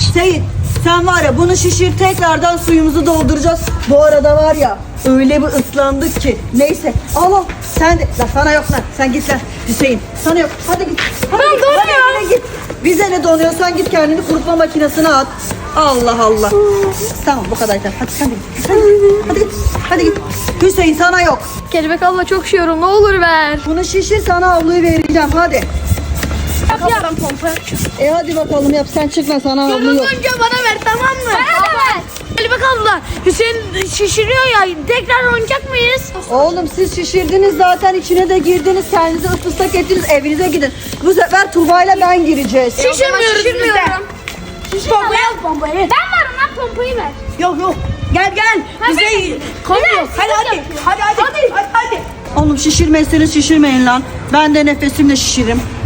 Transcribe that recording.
Seyit sen var ya bunu şişir, tekrardan suyumuzu dolduracağız. Bu arada var ya öyle bir ıslandık ki. Neyse al sen de. La sana yok lan, sen git lan Hüseyin. Sana yok, hadi git. Hadi Ben git, donuyorum. hadi evine git. Bize ne donuyor, sen git kendini kurutma makinesine at. Allah Allah. Tamam bu kadar yeter. Hadi sen de git. Hadi git. Hadi git. Hüseyin sana yok. Kelebek abla çok üşüyorum, ne olur ver. Bunu şişir, sana havluyu vereceğim hadi. Yap. Ben pompa yapacağım. Hadi bakalım yap, sen çıkma, sana havlu yok. Önce bana ver, tamam mı? Bana da ver. Kelebek abla, Hüseyin şişiriyor ya, tekrar oynayacak mıyız? Oğlum siz şişirdiniz zaten, içine de girdiniz, kendinizi ıslak ettiniz, evinize gidin. Bu sefer Tuğba'yla ben gireceğiz. Şişirmiyorum. Pompayı al pompayı. Ben varım lan, pompayı ver. Yok gel bize Koyuyor. hadi. Oğlum şişirmezseniz şişirmeyin lan. Ben de nefesimle şişiririm.